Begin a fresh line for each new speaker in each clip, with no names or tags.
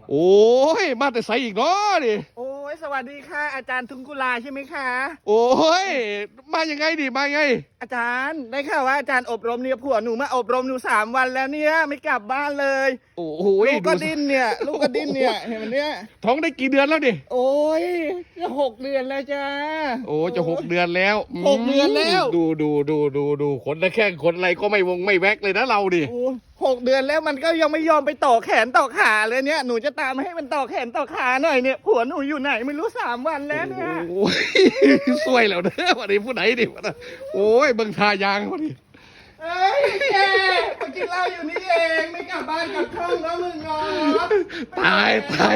โอ้ยมาแต่ใส่อีกเนาะดิ
โอ้ยสวัสดีค่ะ อาจารย์ทุงกุลาใช่ไหมคะ
โอ้ยมายังไงดิมายังไง
อาจารย์ได้ข่าวว่าอาจารย์อบรมเนี่ยผัวหนูมาอบรมหนู3 วันแล้วเนี่ยไม่กลับบ้านเลย
โอ้โห
ลูกก็ดิ้นเนี่ยลูกก็ดิ้นเนี่ยเห็นไหมเนี่ย
ท้องได้กี่เดือนแล้วดิ
โอ้ยจะ6 เดือนแล้วจ้า
โอ้จะ6 เดือนแล้ว
6 เดือนแล้ว
ดูขนและแข้งขนอะไรก็ไม่วงไม่แวกเลยนะเราดิ
โอ้6 เดือนแล้วมันก็ยังไม่ยอมไปต่อแขนต่อขาเลยเนี่ยหนูจะตามให้มันต่อแขนต่อขาหน่อยเนี่ยผัวหนูอยู่ไหนไม่รู้3 วันแล้วเนี่ย
โอ้ยสวยแล้วเด้อวันนี้ผู้ไหนดิวะนะโอ้ยเบิ่งทายางวันนี้
เอ้ยแกมากินเหล้าอยู่นี่เองไม่กลับบ้านกลับช่องแล้วมึงเนาะ
ตาย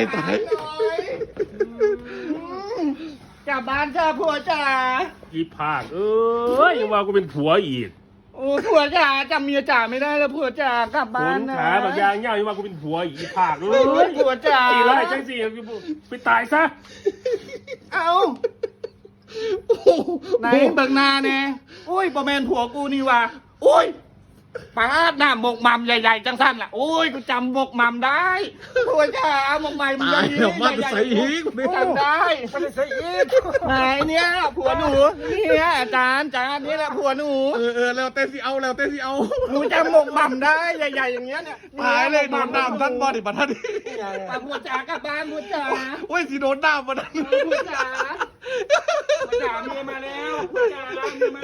กลับบ้านจ้าผัวจ๋า
อีภาคเอ้ยยังว่ากูเป็นผัวอีก
โอ้ผัวจ๋าจำเมียจ๋าไม่ได้แล้วผัวจ๋ากลับ
ข
บ้าน
น
นะ
ขาแบบยางเงี้ยยังว่ากูเป็นผัวอีกอีภาคเอ้
เฮ้ย
ย
ผัวจ๋า
ตีไล่จังสิไปตายซะ
เอาไหนเบิกหนาเนี่ยโอ้ยประแมนผัวกูนี่ว่ะโอ้ยปาดหน้าหมกมัมใหญ่ๆจังสั้นล่ะโอ้ยกูจำหมกมัมได้ผัวจ๋าหมกมัม
ตายแล้วมาแต่ใส่อีก
จำได้มันใส่อีกไหนเนี่ยผัวหนูเนี่ยอาจารย์นี่แหละผัวหนู
แล้วเต้สิเอาแล้วเต้สิเอา
หนูจำหมกมัมได้ใหญ่ๆอย่างเงี้ยเนี่ย
ตายเลยโดนน้ำท่านบอดิบัดท่าน
ปาผัวจ๋ากลับบ้านผัวจ๋า
โอ้ยสิโดนน้ำบัดนั้น
ผัวจ๋าผัวจ๋าเมียมาแล้วผัวจ๋าเมียมา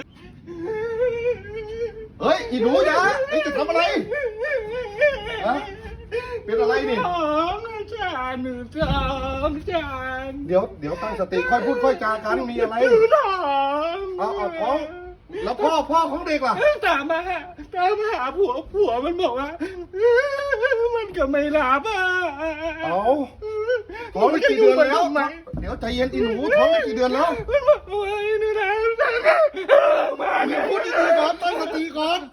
เฮ้ยอีหนูจ๋าไอ้จะทำอะไรฮะเป็นอะไรนี่
ท้องอาจารย์หนูท้องอาจารย์
เดี๋ยวตั้งสติค่อยพูดค่อยจากันมีอะไร
หนูท้อง
เอาท้องแล้วพ่อของเด็กล่ะ
ตามมาหาผัวมันบอกว่ามันก็ไม่รับอ่ะ
เอาท้องได้กี่เดือนแล้วเดี๋ยวใจเย็นอีหนูท้องได้กี่เดือนแล้ว
มันบอกว่าหนูนะมา
พูดดีๆก่อนตั้งสติก่อน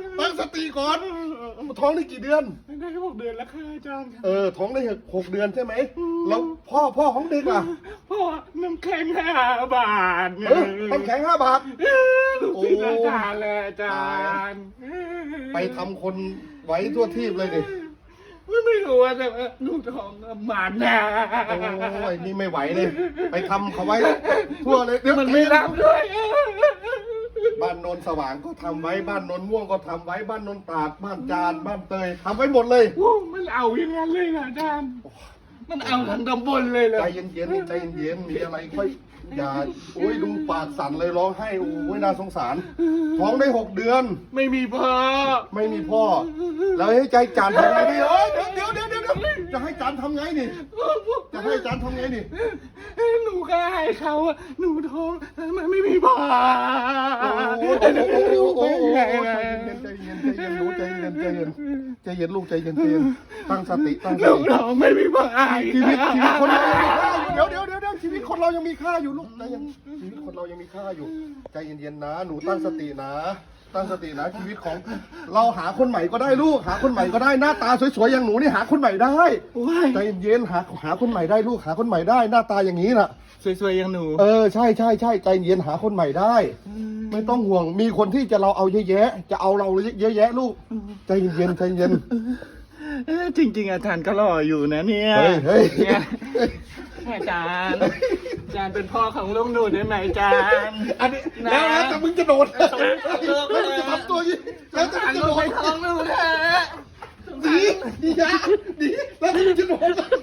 ท้องได้กี่เดือน
ได้6 เดือนแล้วค่ะอาจารย์
ท้องได้6 เดือนใช่ไหมแล้วพ่อของเด็กล่ะ
พ่อน้ำแข็ง5 บาท
น้ำแข็ง5 บาท
ลูกศิษย์อาจารย์เลยอาจารย์
ไปทำคนไว้ทั่วทีบเลยดิ
ไม่รู้ว่าแต่ว่าลูกท้องหมานะ
โอ้ยนี่ไม่ไหวเลยไปทำเขาไว้ทั่วเลยเดี๋ยว
มันไม่รับด้วย
บ้านโนนสว่างก็ทำไว้บ้านโนนม่วงก็ทำไว้บ้านโนนตราดบ้านจานบ้านเตยทำไว้หมดเลย
โอ้มันเอาอย่างนั้นเลยนะอาจารย์มันเอาทั้งตำบลเลยเหรอ
ใจเย็นๆใจเย็นๆมีอะไรค่อยอย่าโอ้ยดูปากสั่นเลยร้องไห้โอ้ยน่าสงสารท้องได้6 เดือน
ไม่มีพ่อ
ไม่มีพ่อ แล้วให้ใจจานทำไงดิเอ้ยเดี๋ยวจะให้จานทำไงนี่จะให้จานทำไงนี่
หนูก็ให้เขาอะหนูท้องมันไม่มีพ่อ
โอ้ใจเย็นหนูใจเย็นลูกใจเย็นตั้งสติตั้งส
ลูก
ติ
ท้องไม่มีพ่อ
ชีวิตคนเรายังมีค่าอยู่เดี๋ยวชีวิตคนเรายังมีค่าอยู่ลูกใจเย็นชีวิตคนเรายังมีค่าอยู่ใจเย็นๆนะหนูตั้งสตินะชีวิตของเราหาคนใหม่ก็ได้ลูกหาคนใหม่ก็ได้หน้าตาสวยๆอย่างหนูนี่หาคนใหม่ได้ใจเย็นๆหาคนใหม่ได้ลูกหาคนใหม่ได้หน้าตาอย่างนี้น่ะ
สวยๆอย่างหนู
ใช่ใจเย็นหาคนใหม่ได้ ไม่ต้องห่วงมีคนที่จะเราเอาเยอะแยะจะเอาเราเยอะแยะลูกใจเย็น
จริงๆอาจารย์ก็หล่ออยู่นะเนี่ย
เฮ้ย
เนี่ยอาจารย์เป็นพ่อของลูกหนูได้ไหมอาจารย์
อันนี้แล้วนะแต่มึงจะโดดแล้วจะทำตัวยี่แล้วจะ
ลู
โด
กไป
ด
ท้องหนูแท้
ดีแล้วมึงจะโดด